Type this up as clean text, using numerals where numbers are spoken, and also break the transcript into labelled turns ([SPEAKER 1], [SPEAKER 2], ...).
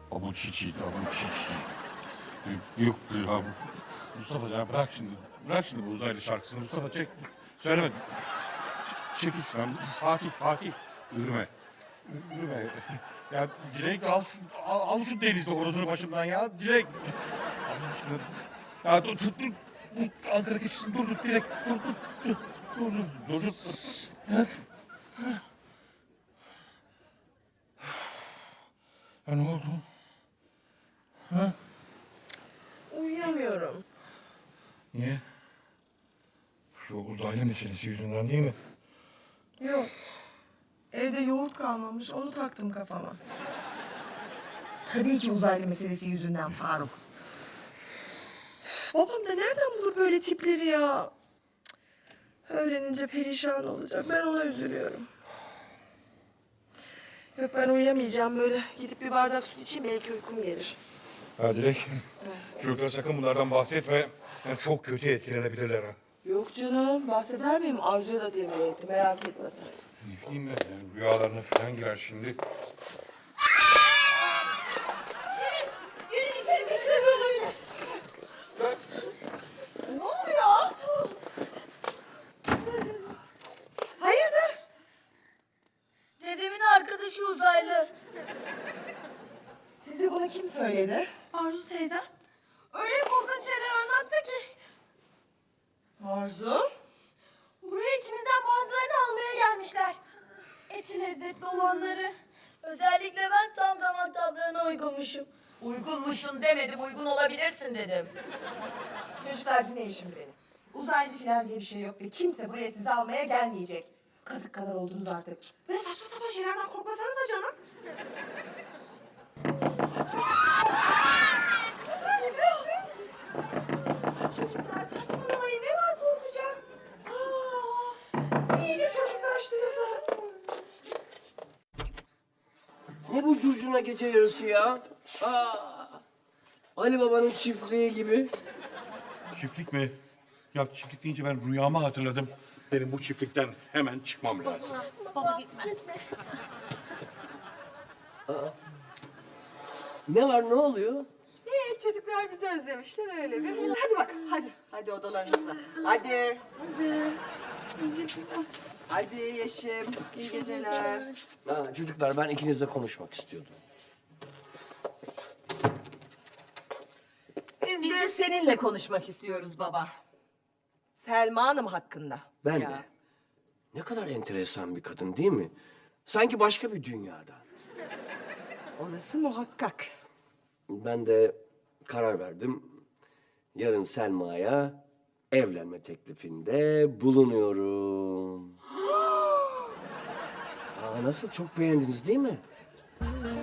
[SPEAKER 1] Abu çiçi, abu çiçi. Yok ya. Mustafa ya bırak şimdi. Bırak şimdi bu uzaylı şarkısını. Mustafa çek. Söyleme. Çekil şuradan. Fatih. Yürüme. Yürüme. Ya Dilek al şu denizli horozunu başımdan ya. Dilek. Allah aşkına. Ya dur. Ankara geçsin. Dur Dilek. Dur. Ya ne oldu? Ha?
[SPEAKER 2] Uyuyamıyorum.
[SPEAKER 1] Niye? Şu uzaylı meselesi yüzünden değil mi?
[SPEAKER 2] Yok. Evde yoğurt kalmamış, onu taktım kafama. Tabii ki uzaylı meselesi yüzünden Faruk. Üf, babam da nereden bulur böyle tipleri ya? Cık, öğrenince perişan olacak. Ben ona üzülüyorum. Yok ben uyuyamayacağım böyle. Gidip bir bardak süt içeyim belki uykum gelir.
[SPEAKER 1] Ha Dilek. Çocuklara sakın bunlardan bahsetme. Yani çok kötü etkilenebilirler ha.
[SPEAKER 2] Yok canım bahseder miyim? Arzu'ya da tembih etti merak etme sen.
[SPEAKER 1] Ne bileyim ben yani rüyalarına falan girer şimdi.
[SPEAKER 2] Ne oluyor? Hayırdır?
[SPEAKER 3] Dedemin arkadaşı uzaylı.
[SPEAKER 2] Size bunu kim söyledi?
[SPEAKER 3] Arzu teyze. Öyle korkunç şeyler anlattı ki.
[SPEAKER 2] Arzu?
[SPEAKER 3] Buraya içimizden bazılarını almaya gelmişler. Eti lezzetli olanları. Özellikle ben tam damak tadlarına uygunmuşum.
[SPEAKER 4] Uygunmuşsun demedim, uygun olabilirsin dedim.
[SPEAKER 2] Çocuklar dinleyin şimdi beni. Uzaylı falan diye bir şey yok ve kimse buraya sizi almaya gelmeyecek. Kazık kadar oldunuz artık. Böyle saçma sapan şeylerden korkmasanıza canım. Çocuklar saçmalamayın. Ne var korkacak? İyice çocuklaştınız ha.
[SPEAKER 5] Ne bu curcuna gece yarısı ya? Ali Baba'nın çiftliği gibi.
[SPEAKER 1] Çiftlik mi? Ya çiftlik deyince ben rüyamı hatırladım. Benim bu çiftlikten hemen çıkmam lazım.
[SPEAKER 3] Baba gitme.
[SPEAKER 5] Ne var, ne oluyor?
[SPEAKER 2] Çocuklar bizi özlemişler öyle bir. Hadi bak hadi. Hadi odalarınıza. Hadi. Hadi Yeşim. İyi geceler.
[SPEAKER 5] Çocuklar ben ikinizle konuşmak istiyordum.
[SPEAKER 2] Biz
[SPEAKER 4] Biz de seninle konuşmak istiyoruz baba.
[SPEAKER 2] Selma Hanım hakkında.
[SPEAKER 5] Ben de. Ne kadar enteresan bir kadın değil mi? Sanki başka bir dünyada.
[SPEAKER 2] Orası muhakkak.
[SPEAKER 5] Ben de karar verdim. Yarın Selma'ya evlenme teklifinde bulunuyorum. Nasıl? Çok beğendiniz değil mi?